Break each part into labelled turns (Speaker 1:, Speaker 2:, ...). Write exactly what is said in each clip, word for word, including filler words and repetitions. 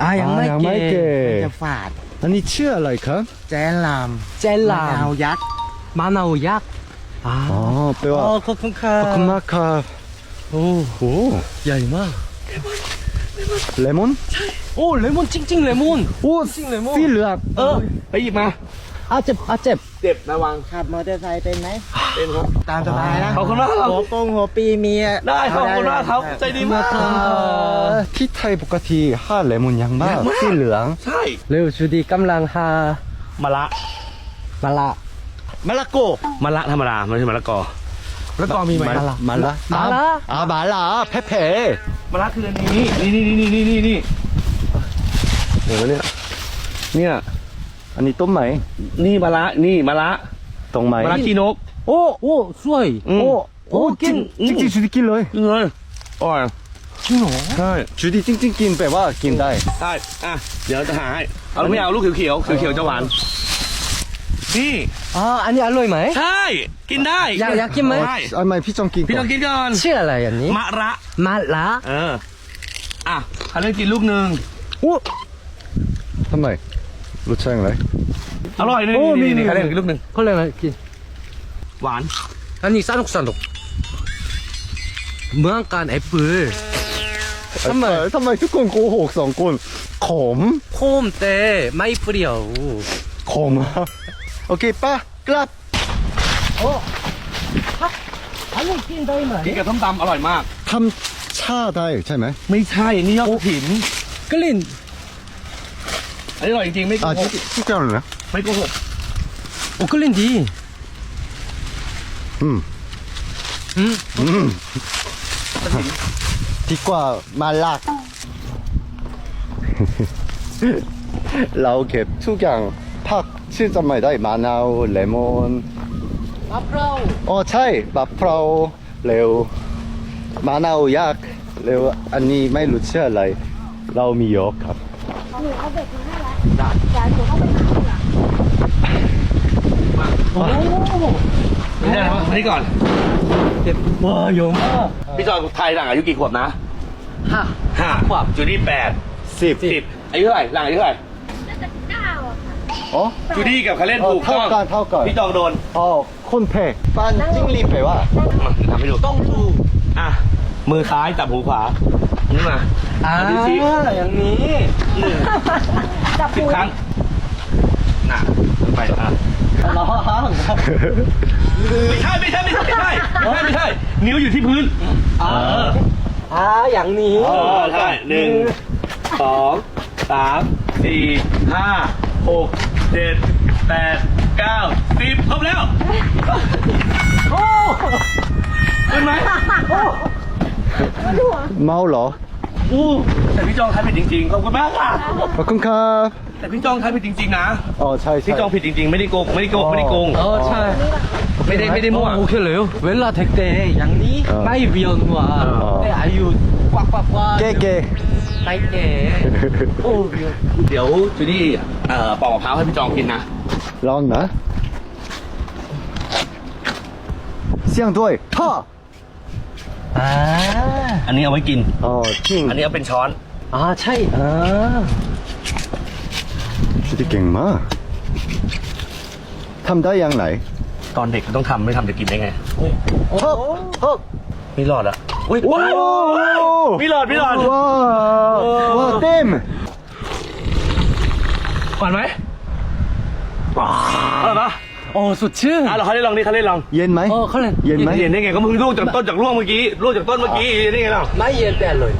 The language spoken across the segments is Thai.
Speaker 1: อ่ายังไม่
Speaker 2: ยังไม่เก่
Speaker 3: จะฝาด
Speaker 2: อันนี้ชื่ออะไรครับ
Speaker 3: แจนลาม
Speaker 1: เจลลาม
Speaker 3: ะนาวยักษ์
Speaker 1: มะนาวยักษ์อ่า
Speaker 2: อ๋อแปลว่า
Speaker 1: อ๋อขอบคุณค่ะ
Speaker 2: ขอบคุณมากครับ
Speaker 1: โอ้
Speaker 2: โอ้
Speaker 1: ใหญ่มาก
Speaker 2: เลมอน
Speaker 1: โอ้เลมอนจริงๆเลมอน
Speaker 2: โอ้
Speaker 1: จริงเลมอน
Speaker 2: สีเหลือง
Speaker 1: เออไปหยิบมาอาเจ็บอาเจ็บ
Speaker 3: เจ็บระวังขับมอเตอร์ไซค์เป็นไหมเป็นครับตามสบายนะ
Speaker 1: ขอบคุณมากครับ
Speaker 3: หัวโปงหัวปีเมีย
Speaker 1: ได้ขอบคุณมากครับใจดีมาก
Speaker 2: เอ่อที่ไทยปกติห้าเลมอนยังบ้าสีเหลือง
Speaker 1: ใช่
Speaker 2: เร็วชูดีกำลังหาม
Speaker 1: ะละ
Speaker 2: มะละ
Speaker 3: มะละโก
Speaker 1: มะละธรรมดาไม่ใช่มะละกอมะละกอมีไหม
Speaker 2: มะละมะละ
Speaker 1: มะละ
Speaker 2: อ่ามะละเพเพ
Speaker 1: มะละคืออันนี้นี่นี่นี่นี่นี่นี่
Speaker 2: เดี๋ยวเนี่ยเนี่ยอันนี้ต้มไหม
Speaker 1: นี่มะละนี่มะละ
Speaker 2: ตรงไหม
Speaker 1: มะละขี้นก
Speaker 2: โอ้โอ้สวย
Speaker 1: อืม
Speaker 2: โอ้โอ้
Speaker 1: กิ
Speaker 2: จริ
Speaker 1: น
Speaker 2: งจริงๆชูดีกินเลย
Speaker 1: กินเลยอร่อย
Speaker 2: จริงเหรอ
Speaker 1: ใช่
Speaker 2: ชูดีจริงๆกินแปลว่ากินได้
Speaker 1: ได้อ่ะเดี๋ยวจะหาให้เอาไม่เอาลูกเขียวๆเขียวๆจะหวานนี่
Speaker 2: อ่าอันนี้อร่อยไหม
Speaker 1: ใช่กินได้
Speaker 2: อยากอยากกินไหม
Speaker 1: ได้
Speaker 2: อันไหนพี่จองกิน
Speaker 1: พี่ต้องกินก่อน
Speaker 2: ชื่ออะไรอันนี้
Speaker 1: มะระ
Speaker 2: มะละ
Speaker 1: เอออ่ะเขาเล่นกินลูกหนึ่ง
Speaker 2: โอ้ทำไมรสชาติอะไร
Speaker 1: อร่อยนี่
Speaker 2: โอ้
Speaker 1: นี่
Speaker 2: นี่
Speaker 1: นี่
Speaker 2: นี่
Speaker 1: เขาเล่นกินลูกหนึ่ง
Speaker 2: เขาเรียกอะไรกิน
Speaker 1: หวาน
Speaker 2: อันนี้สนุกสนุกเหมือนกันแอปเปิ้ลทำไมทำไมทุกคนโกหกสองคนขม
Speaker 1: โคมแต่ไม่เปรี้ยว
Speaker 2: ขมโอเคป่ะกลับ
Speaker 1: อันนี้กินได้ไหมกินกับส้มตำอร่อยมาก
Speaker 2: ทำชาได้ใช่ไหม
Speaker 1: ไม่ใช่นี่ยอดกระถิ่น
Speaker 2: กลิ่น
Speaker 1: อันนี้อร่อยจริงๆไม่โก
Speaker 2: อ่า
Speaker 1: ห
Speaker 2: ที่
Speaker 1: ก
Speaker 2: ที่เจ้าเลยนะ
Speaker 1: ไม่โกหก
Speaker 2: โอ้กลิ่นดีอืม
Speaker 1: อืม
Speaker 2: อืมดีกว่ามาลาก เราเก็บทุกอย่างผักชื่อจำไม่ได้มะนาวเลมอน
Speaker 1: มะพร้าว
Speaker 2: อ๋อใช่มะพร้าวเร็วมะนาวยักษ์เร็วอันนี้ไม่รู้ชื่ออะไร เรามีเยอะครับ
Speaker 4: หนูเอาเบ็ดมาให้แล้วเดี๋ยวหนูต้องไปหาเหยื่อ
Speaker 1: โอ้ไม่ได้นะมานี่ก่อน
Speaker 2: เจ็บว้าเยอะมาก
Speaker 1: พี่จอยไทยหลังอายุกี่ขวบนะ
Speaker 2: ห้า
Speaker 1: ห้าขวบจูดี้แปด
Speaker 2: สิบ
Speaker 1: สิบอายุเท่าไหร่หลังอายุเท่าไหร่
Speaker 4: น่าจะเก้าอะค่ะ
Speaker 2: อ๋อ
Speaker 1: จูดี้กับคาเล่นถูก
Speaker 2: เท่า
Speaker 1: ต้อง
Speaker 2: กันเท่ากัน
Speaker 1: พี่จองโดน
Speaker 2: อ๋อคนเพฟันจิ้งหรีดแปลว่า
Speaker 1: มาทำให้ดูต้องดูอ่ะมือซ้ายจับหูขวาอันนี้มา
Speaker 2: อ่า
Speaker 1: ดูสิ
Speaker 2: อย่างนี้
Speaker 1: หนึ่ง
Speaker 4: จับ
Speaker 1: สิบ
Speaker 4: ปู
Speaker 1: ครั้งน่ะไปอ่ะ
Speaker 2: ร้อง
Speaker 1: ไม่ใช่ไม่ใช่ไม่ใช่ไม่ใช่ไม่ใช่ไม่ใช่นิ้วอยู่ที่พื้นเออ
Speaker 2: อ่าอย่างนี้
Speaker 1: เออใช่หนึ่งสองสามสี่ห้าหกเจ็ดแปดเก้าสิบครบแล้วโอ้ขึ้นไหมโอ้
Speaker 2: เมาเหรอ
Speaker 1: อู้แต่พี่จองทายผิดจริงๆขอบคุณมากค่ะ
Speaker 2: ขอบคุณครับ
Speaker 1: แต่พี่จองทายผิดจริงๆนะ
Speaker 2: อ๋อใช่ใช่
Speaker 1: พี่จองผิดจริงๆไม่ได้โกงไม่ได้โกงไม่ได้โกง
Speaker 2: อ๋อใช่
Speaker 1: ไม่ได้ไม่ได้มั่ว
Speaker 2: โอเคเลยเวลาเทคเตอย่างนี้ไม่เวียนหัว
Speaker 1: เออ
Speaker 2: แต่อายุกว่ากว่ากว่าเก๋เก๋
Speaker 1: ไม่เก๋โอ้เดี๋ยวจูดี้เอ่อปอกมะพร้าวให้พี่จองกินนะ
Speaker 2: ลองนะเสียงด้วยฮ่าอ่า
Speaker 1: อันนี้เอาไว้กิน
Speaker 2: อ๋อจริง
Speaker 1: อันนี้เอาเป็นช้อน
Speaker 2: อ่าใช่อ่าชุดเก่งมากทำได้ยังไง
Speaker 1: ตอนเด็กก็ต้องทำไม่ทำจะกินได้ไง
Speaker 2: ฮบฮบ
Speaker 1: ไม่รอดอะอุ้ย
Speaker 2: โอ้
Speaker 1: ไม่รอดไม่รอด
Speaker 2: ว้าวว้าวเต็ม
Speaker 1: ก่อนไหมอร่อยปะ
Speaker 2: โอ้สดชื่น
Speaker 1: อ่ะเราเขาได้ลองนี่เขาได้ลอง
Speaker 2: เย็นไหม
Speaker 1: เออเขาเล่น
Speaker 2: เย็นไหม
Speaker 1: เย็นได้ไงก็มึงลูกจากต้นจากร่วงเมื่อกี้ลูกจากต้นเมื่อกี้เย็นได้ไงล่ะ
Speaker 2: ไม่เย็นแต่เลย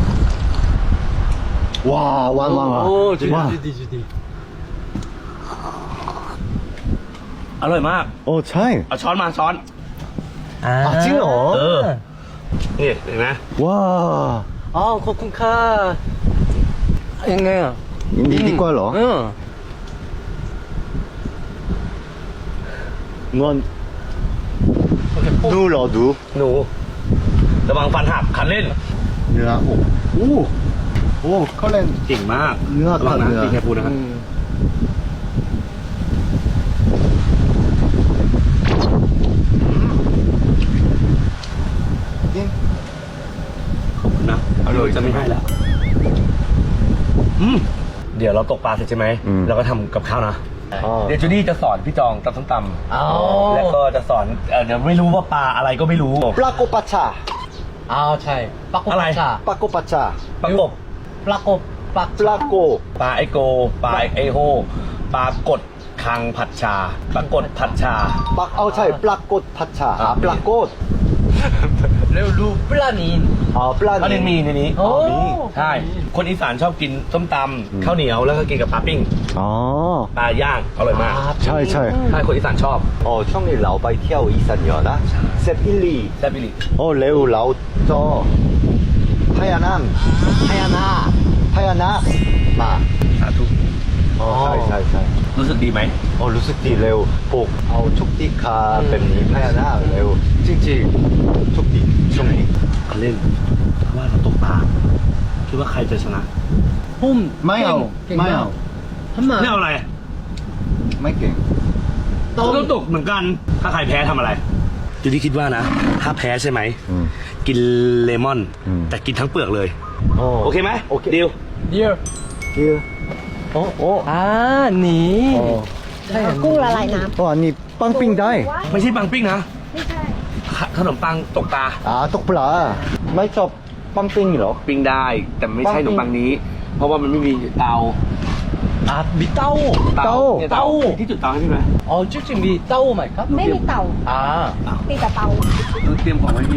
Speaker 2: ว้าวว้าวว้าว
Speaker 1: โอ้จุด
Speaker 2: ว้าว
Speaker 1: ดีจุดดีอร่อยมาก
Speaker 2: โอ้ใช่
Speaker 1: เอาช้อนมาช้อน
Speaker 2: อ่าจริงเหรอ
Speaker 1: เออนี่เห็นไหม
Speaker 2: ว้าว
Speaker 1: อ๋อขอบคุณค่ะ
Speaker 2: ยังไงอ่ะดีดีกว่าเหรอ
Speaker 1: เออ
Speaker 2: งอนดูเหรอดู
Speaker 1: หนูระวังฟันหักคันเล่น
Speaker 2: เนื้อโอ้โอ้โอ้เขาเล่น
Speaker 1: เก่งมาก
Speaker 2: เนื้อ
Speaker 1: ระวังนะ
Speaker 2: เนื้อ
Speaker 1: กินแค่ปูนะครับ
Speaker 2: อืม
Speaker 1: ขอบคุณนะเอาเลยจะไม่ให้แล้วอืมเดี๋ยวเราตกปลาเสร็จใช่ไหม
Speaker 2: อืม
Speaker 1: เราก็ทำกับข้าวนะ
Speaker 2: อ๋อ
Speaker 1: เดี๋ยวจูดี้จะสอนพี่จองตำส้มต
Speaker 2: อ๋อ
Speaker 1: ำแล้วก็จะสอนเอ่อเดี๋ยวไม่รู้ว่าปลาอะไรก็ไม่รู้
Speaker 3: ปลาโกปัชชา
Speaker 2: อ้าวใช่ปลาโก
Speaker 1: อะไร
Speaker 2: ปัชชา
Speaker 3: ปลาโกปัชชา
Speaker 1: ปลากบ
Speaker 2: ปลาโกปลา
Speaker 3: ปลาโก
Speaker 1: ปลาไอโกปลาไอโฮปลากดคังผัดชาปลากดผัดชา
Speaker 3: ปลาเอาใช่ปลากดพัชชา
Speaker 1: อ่า
Speaker 3: ปลาโกด
Speaker 2: เร็วดูปลานิน
Speaker 3: อ๋อปลา
Speaker 1: ปลาเนนมีในนี้
Speaker 2: โอ้
Speaker 1: มีใช่ คนอีสานชอบกินส้มตำข้าวเหนียวแล้วก็กินกับปลาปิ้ง
Speaker 3: อ๋อ
Speaker 1: ปลาย่างอร่อยมาก
Speaker 3: ใช่ใช่
Speaker 1: ใช่คนอีสานชอบ
Speaker 3: อ๋อช่วงนี้เราไปเที่ยวอีสานเยอะนะเซฟอิลี
Speaker 1: แซ่บบิลิ
Speaker 3: โอ้เร็วเราจอพญานาค
Speaker 2: พญานาค
Speaker 3: พญานาคมา
Speaker 1: สาธุ
Speaker 3: อ๋อใช่ใช่ใช่
Speaker 1: รู้สึกดีไหม
Speaker 3: โอ้รู้สึกดีเร็วปลูกเอาชุกติคาเป็นนี้พญานาคเร็วจริงๆชุกติช่วงนี้
Speaker 1: เล่นว่าเราตกปลาคิดว่าใครจะชนะ
Speaker 2: พุ่ม
Speaker 3: ไม่เอา
Speaker 2: ก่ง
Speaker 3: ไม่เอา
Speaker 2: ทำไม
Speaker 1: ไม่เอาอะไร
Speaker 3: ไม่เก่ง
Speaker 1: เราก็ตกเหมือนกัน ถ้าใครแพ้ทำอะไรจูดี้คิดว่านะ ถ้าแพ้ใช่ไหม
Speaker 3: อืม
Speaker 1: กินเลมอน
Speaker 3: อืม
Speaker 1: แต่กินทั้งเปลือกเลย
Speaker 3: โอ้
Speaker 1: โอเคไหม
Speaker 3: โอเค
Speaker 1: ดิว
Speaker 2: เดี๋ยว
Speaker 3: คือโอ้โอ้
Speaker 2: อ่านี่
Speaker 3: โอ้
Speaker 2: ใช่
Speaker 4: กุ้งละลายน้
Speaker 3: โอ้อันนี้ปังปิ้งได้
Speaker 4: ำ
Speaker 1: ไม่ใช่ปังปิ้งนะ
Speaker 4: ไม่ใช่
Speaker 1: ขขนมปังตกปลา
Speaker 3: อ่าตกปลาไม่ชอบปังปิ้งเหรอ
Speaker 1: ปิ้งได้ แต่ไม่ใช่ข
Speaker 3: ปังปิ้
Speaker 1: น
Speaker 3: ง
Speaker 1: มปังนี้ เพราะว่ามันไม่มีเตา
Speaker 2: อ่ามีเต้า
Speaker 3: เตา
Speaker 1: นี่ย
Speaker 2: เตา
Speaker 1: ที่จุดเตาให้พี่ไหม
Speaker 2: อ๋อจริงๆมีเต้าไหมครับ
Speaker 4: ไม่มีเต่า
Speaker 2: อ่า
Speaker 4: มีแต่เตา
Speaker 1: เตรียมของไว้พี่